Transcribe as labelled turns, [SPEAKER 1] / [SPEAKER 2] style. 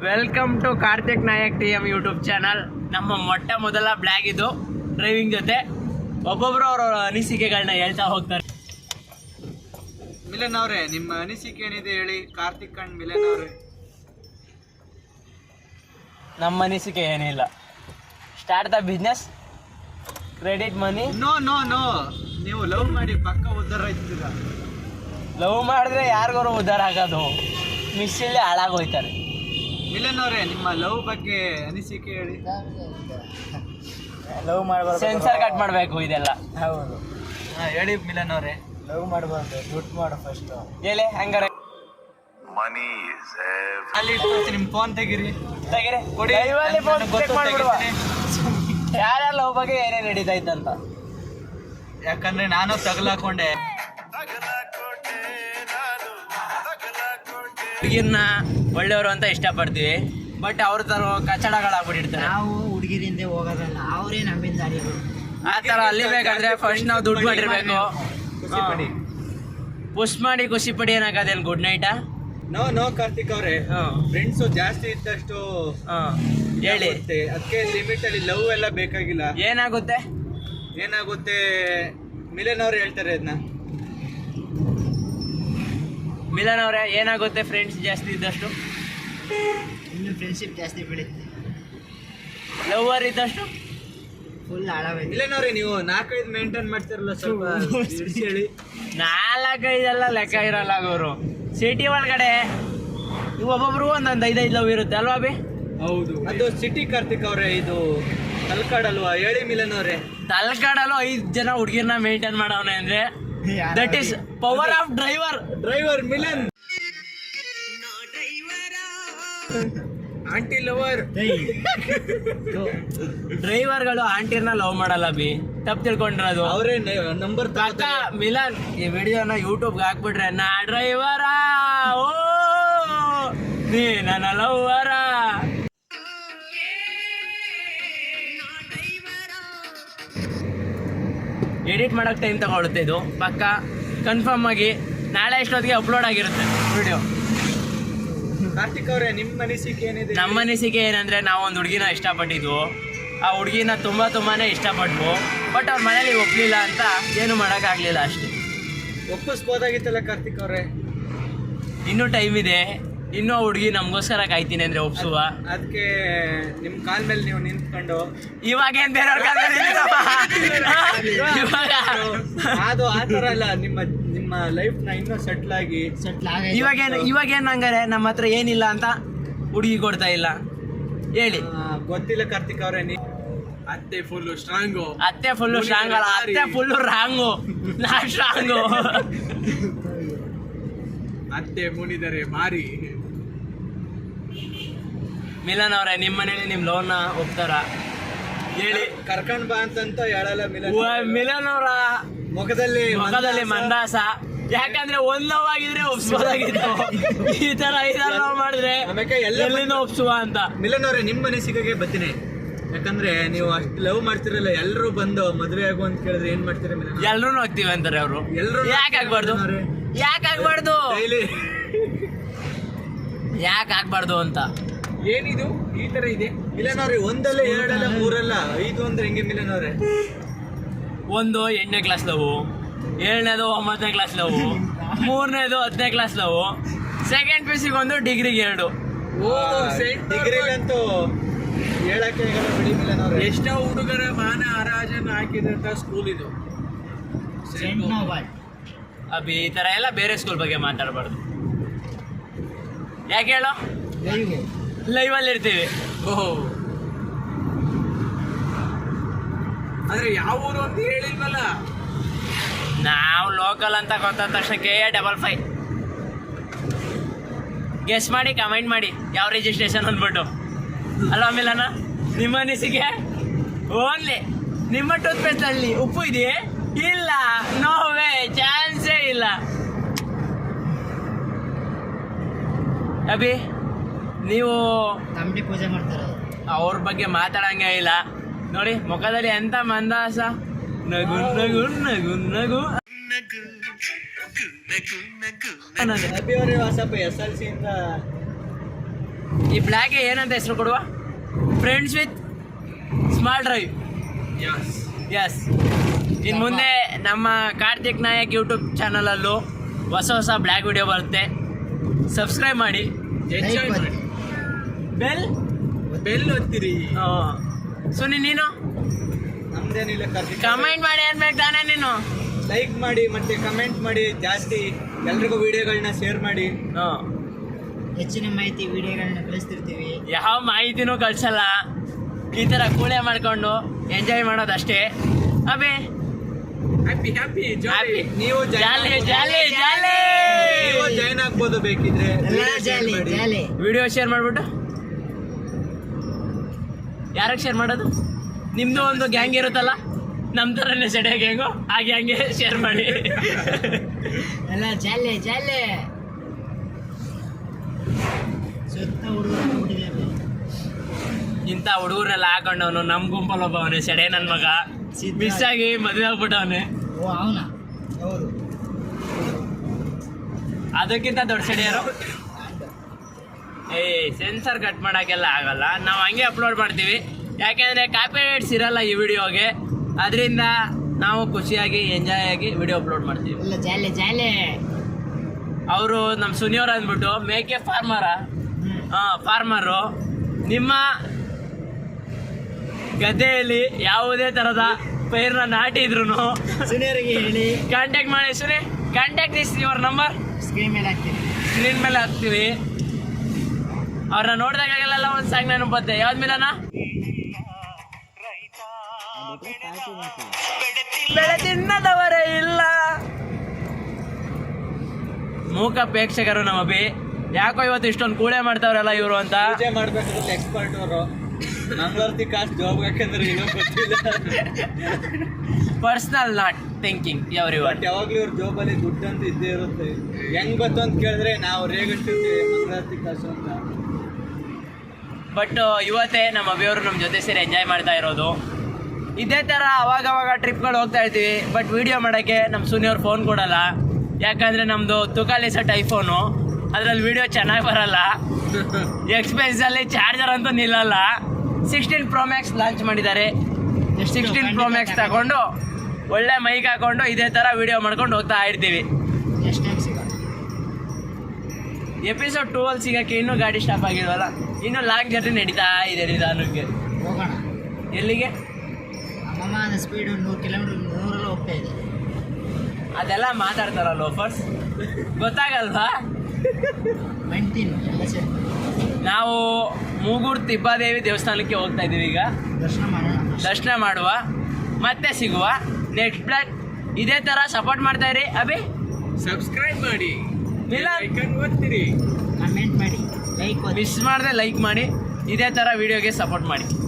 [SPEAKER 1] Welcome to Karthik Nayak TM YouTube channel. ನಮ್ಮ ಮೊಟ್ಟ ಮೊದಲ ಬ್ಲಾಗ್ ಇದು ಡ್ರೈವಿಂಗ್ ಜೊತೆ. ಒಬ್ಬೊಬ್ರು ಅವರ ಅನಿಸಿಕೆಗಳನ್ನ ಹೇಳ್ತಾ ಹೋಗ್ತಾರೆ.
[SPEAKER 2] ಮಿಲನ್ ಅವರೇ, ನಿಮ್ಮ ಅನಿಸಿಕೆ ಏನಿದೆ ಹೇಳಿ. ಕಾರ್ತಿಕ್ ಅಂಡ್ ಮಿಲನ್ ಅವರೇ,
[SPEAKER 1] ನಮ್ಮ ಅನಿಸಿಕೆ ಏನಿಲ್ಲ. Start the business, credit money.
[SPEAKER 2] No no no, ನೀವು ಲವ್ ಮಾಡಿ ಪಕ್ಕ ಉದ್ಧಾರ ಆಯ್ತೀರ.
[SPEAKER 1] ಲವ್ ಮಾಡಿದ್ರೆ ಯಾರಿಗಾರು ಉದ್ಧಾರ ಆಗೋದು, ಮಿಸ್ಸಲ್ಲಿ ಹಾಳಾಗೋಯ್ತಾರೆ.
[SPEAKER 2] ಮಿಲನ್ ಅವರೇ, ನಿಮ್ಮ ಲವ್ ಬಗ್ಗೆ ಅನಿಸಿಕೆ ಹೇಳಿ.
[SPEAKER 1] ಲವ್ ಮಾಡಬಾರ್ದು, ಸೆನ್ಸರ್ ಕಟ್ ಮಾಡಬೇಕು ಇದೆಲ್ಲ.
[SPEAKER 2] ಹೌದು, ಹೇಳಿ ಮಿಲನ್ ಅವರೇ.
[SPEAKER 1] ಲವ್ ಮಾಡಬಾರ್ದು, ದುಡ್ಡು ಮಾಡು ಫಸ್ಟ್. ಹೇಳಿ ಹಂಗಾರೆ.
[SPEAKER 3] ಮನಿ ಇಸ್
[SPEAKER 2] ಅಲ್ಲಿ ಇಟ್ಟು ನಿಮ್ಮ ಫೋನ್ ತೆಗೀರಿ,
[SPEAKER 1] ತೆಗೀರಿ,
[SPEAKER 2] ಕೊಡಿ.
[SPEAKER 1] ಯಾರ್ಯಾರ ಲವ್ ಬಗ್ಗೆ ಏನೇನು ನಡೀತಾ ಇತ್ತಂತ.
[SPEAKER 2] ಯಾಕಂದ್ರೆ ನಾನು ತಗಲಾಕೊಂಡೆ.
[SPEAKER 1] ಹುಡುಗಿರ್ನ ಒಳ್ಳೆಯವರು ಅಂತ ಇಷ್ಟಪಡ್ತೀವಿ, ಬಟ್ ಅವ್ರ ತರ ಕಚಡಗಳಾಗ್ಬಿಟ್ಟಿರ್ತಾರೆ.
[SPEAKER 4] ನಾವು ಹುಡುಗಿರಿಂದ ಹೋಗೋದಲ್ಲ, ಅವರೇ ನಮ್ಮಿಂದ ಅಡಿಯೋದು.
[SPEAKER 1] ಆ ಥರ ಅಲ್ಲಿಬೇಕಾದ್ರೆ ಫಸ್ಟ್ ನಾವು ದುಡ್ಡು ಮಾಡಿರ್ಬೇಕು. ಪುಷ್ ಮಾಡಿ ಖುಷಿ ಪಡಿ ಏನಾಗದೇನು ಗುಡ್ ನೈಟಾ?
[SPEAKER 2] ನೋ ನೋ ಕಾರ್ತಿಕ್ ಅವರೇ, ಫ್ರೆಂಡ್ಸು ಜಾಸ್ತಿ ಇದ್ದಷ್ಟು
[SPEAKER 1] ಹೇಳಿ.
[SPEAKER 2] ಅದಕ್ಕೆ ಲಿಮಿಟ್ ಅಲ್ಲಿ ಲವ್ ಎಲ್ಲ ಬೇಕಾಗಿಲ್ಲ.
[SPEAKER 1] ಏನಾಗುತ್ತೆ
[SPEAKER 2] ಮಿಲನ್ ಅವ್ರು ಹೇಳ್ತಾರೆ ಅದನ್ನ.
[SPEAKER 1] ಮಿಲನ್ ಅವರೇ, ಏನಾಗುತ್ತೆ ಫ್ರೆಂಡ್ಸ್ ಜಾಸ್ತಿ ಇದ್ದಷ್ಟು?
[SPEAKER 4] ಇನ್ನು ಫ್ರೆಂಡ್ಶಿಪ್ ಜಾಸ್ತಿ ಬೆಳೀತದೆ.
[SPEAKER 1] ಲವರ್ ಇದ್ದಷ್ಟು
[SPEAKER 4] ಫುಲ್ ಹಾಳಾಗೈತೆ.
[SPEAKER 2] ಮಿಲನ್ ಅವ್ರೆ, ನೀವು 4-5 ಮೇಂಟೈನ್ ಮಾಡ್ತಿರಲ್ಲ, ಸ್ವಲ್ಪ ಇಳಿಸಿ ಹೇಳಿ.
[SPEAKER 1] 4-5 ಲೆಕ್ಕ ಇರಲ್ಲ ಅವರು. ಸಿಟಿ ಒಳಗಡೆ ಒಬ್ಬೊಬ್ರು ಒಂದೊಂದು 5-5 ಲವ್ ಇರುತ್ತೆ ಅಲ್ವಾ ಬಿ?
[SPEAKER 2] ಹೌದು, ಅದು ಸಿಟಿ ಕಾರ್ತಿಕ್ ಅವ್ರೆ, ಇದು ತಲ್ಕಾಡಲ್ವಾ? ಹೇಳಿ ಮಿಲನ್ ಅವ್ರೆ.
[SPEAKER 1] ತಲ್ಕಾಡಲು 5 ಜನ ಹುಡುಗಿರ್ನ ಮೇಂಟೈನ್ ಮಾಡವನೆ ಅಂದ್ರೆ that is power of driver
[SPEAKER 2] Milan. Aunty lover.
[SPEAKER 1] ಡ್ರೈವರ್ಗಳು ಆಂಟಿರ್ನ ಲವ್ ಮಾಡಲ್ಲ ಬಿ, ತಪ್ಪು ತಿಳ್ಕೊಂಡಿರೋದು.
[SPEAKER 2] ಅವರೇ ನಂಬರ್
[SPEAKER 1] ಅಕ್ಕ ಮಿಲನ್, ಈ ವಿಡಿಯೋನ ಯೂಟ್ಯೂಬ್ಗೆ ಹಾಕ್ಬಿಟ್ರೆ ನಾ ಡ್ರೈವರ, ಓ ನೀ ನನ್ನ ಲವ್ವರ. ಎಡಿಟ್ ಮಾಡೋಕೆ ಟೈಮ್ ತಗೊಳುತ್ತೆ ಇದು, ಪಕ್ಕ ಕನ್ಫರ್ಮ್ ಆಗಿ ನಾಳೆ ಇಷ್ಟೊತ್ತಿಗೆ ಅಪ್ಲೋಡ್ ಆಗಿರುತ್ತೆ ವಿಡಿಯೋ.
[SPEAKER 2] ಕಾರ್ತಿಕ್ ಅವರೇ, ನಿಮ್ಮ ಅನಿಸಿಕೆ ಏನಿದೆ?
[SPEAKER 1] ನಮ್ಮ ಅನಿಸಿಕೆ ಏನಂದರೆ, ನಾವು ಒಂದು ಹುಡುಗಿನ ಇಷ್ಟಪಟ್ಟಿದ್ವು. ಆ ಹುಡುಗಿನ ತುಂಬಾನೇ ಇಷ್ಟಪಟ್ವು, ಬಟ್ ಅವ್ರ ಮನೇಲಿ ಒಪ್ಪಲಿಲ್ಲ ಅಂತ ಏನು ಮಾಡೋಕ್ಕಾಗಲಿಲ್ಲ ಅಷ್ಟೇ.
[SPEAKER 2] ಒಪ್ಪಿಸ್ಬೋದಾಗಿತ್ತಲ್ಲ ಕಾರ್ತಿಕ್ ಅವರೇ.
[SPEAKER 1] ಇನ್ನೂ ಟೈಮ್ ಇದೆ, ಇನ್ನೂ ಆ ಹುಡುಗಿ ನಮಗೋಸ್ಕರ ಕಾಯ್ತೀನಿ ಅಂದರೆ ಒಪ್ಸುವ.
[SPEAKER 2] ಅದಕ್ಕೆ ನಿಮ್ಮ ಕಾಲ್ ಮೇಲೆ ನೀವು ನಿಂತ್ಕೊಂಡು
[SPEAKER 1] ಇವಾಗೇನು ಬೇರೆಯವ್ರ
[SPEAKER 2] ಅದು ಆ ಥರ ಅಲ್ಲ, ನಿಮ್ಮ ಲೈಫ್ನ ಇನ್ನೂ ಸೆಟ್ಲ್ ಆಗಿ
[SPEAKER 1] ಇವಾಗೇನು ಹಂಗಾರೆ ನಮ್ಮ ಹತ್ರ ಏನಿಲ್ಲ ಅಂತ ಹುಡುಗಿ ಕೊಡ್ತಾ ಇಲ್ಲ ಹೇಳಿ.
[SPEAKER 2] ಗೊತ್ತಿಲ್ಲ ಕಾರ್ತಿಕ್ ಅವರೇ, ಅತ್ತೆ ಫುಲ್ಲು ಸ್ಟ್ರಾಂಗು.
[SPEAKER 1] ಅತ್ತೆ ಫುಲ್ಲು ಸ್ಟ್ರಾಂಗ್ ಅಲ್ಲ, ಅತ್ತೆ ಫುಲ್ಲು ರಾಂಗು, ನಾ ಸ್ಟ್ರಾಂಗು.
[SPEAKER 2] ಅತ್ತೆ ಮುನಿದರೆ ಮಾರಿ.
[SPEAKER 1] ಮಿಲನ್ ಅವರೇ, ನಿಮ್ಮ ಮನೇಲಿ ನಿಮ್ಮ ಲೋನ್ನ ಒಪ್ತಾರ ಹೇಳಿ.
[SPEAKER 2] ಕರ್ಕೊಂಡ್ ಬಾ ಅಂತ ಹೇಳಲ್ಲ ಮಿಲನ್.
[SPEAKER 1] ಮಿಲನ್ ಅವರ
[SPEAKER 2] ಮುಖದಲ್ಲಿ
[SPEAKER 1] ಮಂದಾಸ. ಯಾಕಂದ್ರೆ ಒಂದ್ ಲವ್ ಆಗಿದ್ರೆ ಒಪ್ಸೋದಾಗಿತ್ತು, ಈ ತರ 5 ಲವ್ ಮಾಡಿದ್ರೆ ಎಲ್ಲಿಂದ ಒಪ್ಸುವ ಅಂತ.
[SPEAKER 2] ಮಿಲನ್ ಅವರೇ, ನಿಮ್ಮ ಅನಿಸಿಕೆಗೆ ಬರ್ತೀನಿ. ಯಾಕಂದ್ರೆ ನೀವು ಅಷ್ಟು ಲವ್ ಮಾಡ್ತಿರಲ್ಲ, ಎಲ್ಲರೂ ಬಂದು ಮದುವೆ ಆಗು ಅಂತ ಕೇಳಿದ್ರೆ ಏನ್ ಮಾಡ್ತೀರಾ ಮಿಲನ್?
[SPEAKER 1] ಎಲ್ರೂ ಹೋಗ್ತೀವಿ ಅಂತಾರೆ ಅವರು.
[SPEAKER 2] ಎಲ್ಲರೂ
[SPEAKER 1] ಯಾಕೆ ಆಗ್ಬಾರ್ದು ಅಂತ
[SPEAKER 2] ಏನಿದು ಈ ತರ ಇದೆ ಮಿಲನ್ ಅವ್ರೆ? 1 2 3 5 ಅಂದ್ರೆ ಹೆಂಗೆ ಮಿಲನ್ ಅವ್ರೆ?
[SPEAKER 1] 1 8ನೇ ಕ್ಲಾಸ್ ಲವ್, 7ನೇದು 9ನೇ ಕ್ಲಾಸ್ ಲವ್, 3ನೇದು 10ನೇ ಕ್ಲಾಸ್ ಲವ್, ಸೆಕೆಂಡ್ PUC 1, ಡಿಗ್ರಿಗೆ 2.
[SPEAKER 2] ಡಿಗ್ರಿಗಂತೂ ಹೇಳಕ್ಕೆ ಬಿಡಿ ಮಿಲನ್ ಅವ್ರೆ.
[SPEAKER 1] ಎಷ್ಟೋ ಹುಡುಗರ ಮಾನ ಹರಾಜನ್ನ ಹಾಕಿದಂತ ಸ್ಕೂಲ್ ಇದು. ಅಭಿ, ಈ ತರ ಎಲ್ಲ ಬೇರೆ ಸ್ಕೂಲ್ ಬಗ್ಗೆ ಮಾತಾಡಬಾರ್ದು. ಯಾಕೆ ಹೇಳೋ? ಲೈವಲ್ಲಿ ಇರ್ತೀವಿ.
[SPEAKER 2] ಆದ್ರೆ ಯಾವ ಊರು ಅಂತ ಹೇಳಿಲ್ವಲ್ಲ.
[SPEAKER 1] ನಾವು ಲೋಕಲ್ ಅಂತ ಗೊತ್ತಾದ ತಕ್ಷಣ KA55 ಗೆಸ್ ಮಾಡಿ ಕಮೆಂಟ್ ಮಾಡಿ ಯಾವ ರಿಜಿಸ್ಟ್ರೇಷನ್ ಅಂದ್ಬಿಟ್ಟು. ಅಲ್ವಾ ಮಿಲನ? ನಿಮ್ಮ ಅನಿಸಿಕೆ? ಓನ್ಲಿ ನಿಮ್ಮ ಟೂತ್ ಪೇಸ್ಟ್ ಅಲ್ಲಿ ಉಪ್ಪು ಇದೆಯೇ? ಇಲ್ಲ, ನೋ ವೇ, ಚಾನ್ಸೇ ಇಲ್ಲ. ಅಭಿ, ನೀವು
[SPEAKER 4] ತಮ್ಮಡಿ ಪೂಜೆ ಮಾಡ್ತಾರೆ,
[SPEAKER 1] ಅವ್ರ ಬಗ್ಗೆ ಮಾತಾಡಂಗೆ ಇಲ್ಲ ನೋಡಿ. ಮುಖದಲ್ಲಿ ಎಂತ ಮಂದಾಸ, ನಗು ನಗು ನಗು ನಗು.
[SPEAKER 2] ಅಭಿ ಅವರೇ, ಸ್ವಲ್ಪ SLC ಇಂದ
[SPEAKER 1] ಈ ಬ್ಲ್ಯಾಕ್ಗೆ ಏನಂತ ಹೆಸರು ಕೊಡುವ? Friends with small drive. Yes. ಇನ್ನು ಮುಂದೆ ನಮ್ಮ ಕಾರ್ತಿಕ್ ನಾಯಕ್ ಯೂಟ್ಯೂಬ್ ಚಾನಲಲ್ಲೂ ಹೊಸ ಹೊಸ ಬ್ಲ್ಯಾಕ್ ವಿಡಿಯೋ ಬರುತ್ತೆ. ಸಬ್ಸ್ಕ್ರೈಬ್ ಮಾಡಿ,
[SPEAKER 2] ಎಂಜಾಯ್ ಮಾಡಿ,
[SPEAKER 1] ಬೆಲ್
[SPEAKER 2] ಬೆಲ್ ಒತ್ತಿರಿ.
[SPEAKER 1] ಸುನಿ ನೀನು
[SPEAKER 2] ನಮ್ದೇನಿಲ್ಲ,
[SPEAKER 1] ಕಮೆಂಟ್ ಮಾಡಿ ಅನ್ಬೇಕು ತಾನೇ ನೀನು.
[SPEAKER 2] ಲೈಕ್ ಮಾಡಿ ಮತ್ತೆ ಕಮೆಂಟ್ ಮಾಡಿ ಜಾಸ್ತಿ, ಎಲ್ರಿಗೂ ವಿಡಿಯೋಗಳನ್ನ ಶೇರ್ ಮಾಡಿ.
[SPEAKER 4] ಹೆಚ್ಚಿನ ಮಾಹಿತಿ ವಿಡಿಯೋಗಳನ್ನ ಕಳಿಸ್ತಿರ್ತೀವಿ.
[SPEAKER 1] ಯಾವ ಮಾಹಿತಿನೂ ಕಳ್ಸಲ್ಲ, ಈ ಥರ ಕೂಳೆ ಮಾಡ್ಕೊಂಡು ಎಂಜಾಯ್ ಮಾಡೋದಷ್ಟೇ. ಅಬೇ
[SPEAKER 2] ಹ್ಯಾಪಿ ಹ್ಯಾಪಿ
[SPEAKER 1] Happy.
[SPEAKER 2] ನೀವು
[SPEAKER 1] ಜಾಲಿ ಜಾಲಿ ಜಾಲಿ.
[SPEAKER 2] ನೀವು ಜಾಯ್ನ್ ಆಗ್ಬೋದು ಬೇಕಿದ್ರೆ.
[SPEAKER 4] ಎಲ್ಲ ಜಾಲಿ ಜಾಲಿ.
[SPEAKER 1] ವಿಡಿಯೋ ಶೇರ್ ಮಾಡಿಬಿಟ್ಟು ಯಾರಿಗೆ ಶೇರ್ ಮಾಡೋದು? ನಿಮ್ಮದು ಒಂದು ಗ್ಯಾಂಗ್ ಇರುತ್ತಲ್ಲ, ನಮ್ಮ ಥರನೇ ಸೆಡೆ ಗ್ಯಾಂಗು, ಆ ಗ್ಯಾಂಗ್ಗೆ ಶೇರ್ ಮಾಡಿ.
[SPEAKER 4] ಎಲ್ಲ ಜಾಲಿ ಜಾಲಿ. ಸುತ್ತ ಹುಡುಗರು
[SPEAKER 1] ಇಂಥ ಹುಡುಗರೆಲ್ಲ ಹಾಕೊಂಡವನು ನಮ್ಮ ಗುಂಪಲ್ಲಿ ಒಬ್ಬವನೇ ಸೆಡೆ ನನ್ನ ಮಗ ಮಿಸ್ ಆಗಿ ಮದುವೆ ಆಗ್ಬಿಟ್ಟವನೆ.
[SPEAKER 4] ಓ ಅವನ ಹೌದು.
[SPEAKER 1] ಅದಕ್ಕಿಂತ ದೊಡ್ಡ ಸೆಡೆ ಯಾರು? ಸೆನ್ಸರ್ ಕಟ್ ಮಾಡೋಕ್ಕೆಲ್ಲ ಆಗಲ್ಲ, ನಾವು ಹಂಗೆ ಅಪ್ಲೋಡ್ ಮಾಡ್ತೀವಿ. ಯಾಕೆಂದರೆ ಕಾಪಿರೈಟ್ಸ್ ಇರಲ್ಲ ಈ ವಿಡಿಯೋಗೆ, ಅದರಿಂದ ನಾವು ಖುಷಿಯಾಗಿ ಎಂಜಾಯ್ ಆಗಿ ವಿಡಿಯೋ ಅಪ್ಲೋಡ್ ಮಾಡ್ತೀವಿ.
[SPEAKER 4] ಎಲ್ಲ ಜಾಲಿ ಜಾಲಿ.
[SPEAKER 1] ಅವರು ನಮ್ಮ ಸುನಿಯವ್ರು ಅಂದ್ಬಿಟ್ಟು ಮೇಕೆ ಫಾರ್ಮರು. ನಿಮ್ಮ ಗದ್ದೆಯಲ್ಲಿ ಯಾವುದೇ ಥರದ ಪೈರನ್ನ ನಾಟಿದ್ರು
[SPEAKER 4] ಸುನಿಯರಿಗೆ ಹೇಳಿ
[SPEAKER 1] ಕಾಂಟ್ಯಾಕ್ಟ್ ಮಾಡಿ. Suni, contact is your number
[SPEAKER 4] screen ಮೇಲೆ ಹಾಕ್ತೀನಿ.
[SPEAKER 1] ಸ್ಕ್ರೀನ್ ಮೇಲೆ ಹಾಕ್ತೀವಿ. ಅವ್ರನ್ನ ನೋಡಿದಾಗೆಲ್ಲ ಒಂದು ಸಾಂಗ್ ನೆನಪತ್ತೆ. ಯಾವ್ದು ಮಿಲನ? ಬೆಳೆ ತಿನ್ನದವರೇ ಇಲ್ಲ. ಮೂಕ ಪ್ರೇಕ್ಷಕರು ನಮ್ಮ ಅಭಿ. ಯಾಕೋ ಇವತ್ತು ಇಷ್ಟೊಂದು ಕೂಳೆ ಮಾಡ್ತಾವ್ರಲ್ಲ ಇವರು ಅಂತ.
[SPEAKER 2] ಪೂಜೆ ಮಾಡ್ಬೇಕಾದ್ರೆ ಎಕ್ಸ್ಪರ್ಟ್ ಅವರು ಮಂಗಳೂರ್ತಿ ಕಾಸ್ಟ್ ಜಾಬ್ ಯಾಕಂದ್ರೆ ಏನೋ ಗೊತ್ತಿಲ್ಲ.
[SPEAKER 1] Personal not thinking every one.
[SPEAKER 2] But ಯಾವಾಗ್ಲೂ ಇವ್ರ ಜಾಬಲ್ಲಿ ದುಡ್ಡು ಅಂತ ಇದ್ದೇ ಇರುತ್ತೆ. ಹೆಂಗ್ ಗೊತ್ತು ಅಂತ ಕೇಳಿದ್ರೆ ನಾವು ರೇಗಟ್ಟಿರ್ತೀವಿ ಮಂಗಳೂರ್ತಿ ಕಾಸು ಅಂತ.
[SPEAKER 1] ಬಟ್ ಇವತ್ತೇ ನಮ್ಮ ಅಭಿಯವರು ನಮ್ಮ ಜೊತೆ ಸೇರಿ ಎಂಜಾಯ್ ಮಾಡ್ತಾ ಇರೋದು. ಇದೇ ಥರ ಅವಾಗವಾಗ ಟ್ರಿಪ್ಗಳು ಹೋಗ್ತಾ ಇರ್ತೀವಿ. ಬಟ್ ವೀಡಿಯೋ ಮಾಡೋಕ್ಕೆ ನಮ್ಮ ಸುನಿಯವ್ರು ಫೋನ್ ಕೊಡಲ್ಲ. ಯಾಕಂದರೆ ನಮ್ಮದು ತುಕಾಲಿ ಸೆಟ್ ಐಫೋನು, ಅದರಲ್ಲಿ ವೀಡಿಯೋ ಚೆನ್ನಾಗಿ ಬರಲ್ಲ. ಎಕ್ಸ್ಪೆನ್ಸಲ್ಲಿ ಚಾರ್ಜರ್ ಅಂತೂ ನಿಲ್ಲಲ್ಲ. 16 Pro Max ಲಾಂಚ್ ಮಾಡಿದ್ದಾರೆ. 16 Pro Max ತಗೊಂಡು ಒಳ್ಳೆ ಮೈಕ್ ಹಾಕೊಂಡು ಇದೇ ಥರ ವೀಡಿಯೋ ಮಾಡ್ಕೊಂಡು ಹೋಗ್ತಾ ಇರ್ತೀವಿ.
[SPEAKER 4] ನೆಕ್ಸ್ಟ್ ಟೈಮ್ ಸಿಗೋಣ.
[SPEAKER 1] ಎಪಿಸೋಡ್ 2 ಅಲ್ಲಿ ಸಿಗೋಕ್ಕೆ ಇನ್ನೂ ಗಾಡಿ ಸ್ಟಾಪ್ ಆಗಿಲ್ವಲ್ಲ, ಇನ್ನೂ ಲಾಂಗ್ ಜರ್ನಿ ನಡೀತಾ ಇದೆ ನಿಧಾನಕ್ಕೆ.
[SPEAKER 4] ಹೋಗೋಣ.
[SPEAKER 1] ಎಲ್ಲಿಗೆ?
[SPEAKER 4] ಅಮ್ಮನ ಸ್ಪೀಡು 100 ಕಿಲೋಮೀಟರ್ 100 ಹೋಗ್ತಾ ಇದೆ.
[SPEAKER 1] ಅದೆಲ್ಲ ಮಾತಾಡ್ತಾರಲ್ಲ ಲೋಫರ್ಸ್, ಗೊತ್ತಾಗಲ್ವಾ?
[SPEAKER 4] ಮೆಂಟಿನ್ ಎಲ್ಲ ಸೇರಿ
[SPEAKER 1] ನಾವು ಮೂಗೂರು ತಿಬ್ಬಾದೇವಿ ದೇವಸ್ಥಾನಕ್ಕೆ ಹೋಗ್ತಾ ಇದ್ದೀವಿ ಈಗ.
[SPEAKER 4] ದರ್ಶನ ಮಾಡೋಣ.
[SPEAKER 1] ದರ್ಶನ ಮಾಡುವ, ಮತ್ತೆ ಸಿಗುವ. ನೆಕ್ಸ್ಟ್ ಬ್ಲಾಗ್ ಇದೇ ಥರ ಸಪೋರ್ಟ್ ಮಾಡ್ತಾ ಇರಿ. ಅಭಿ
[SPEAKER 2] ಸಬ್ಸ್ಕ್ರೈಬ್ ಮಾಡಿ,
[SPEAKER 1] ಮಿಲನ್
[SPEAKER 2] ಐಕನ್ ಒತ್ತಿರಿ,
[SPEAKER 4] ಕಮೆಂಟ್ ಮಾಡಿ, ಲೈಕ್
[SPEAKER 1] ಮಿಸ್ ಮಾಡದೆ ಲೈಕ್ ಮಾಡಿ, ಇದೇ ಥರ ವಿಡಿಯೋಗೆ ಸಪೋರ್ಟ್ ಮಾಡಿ.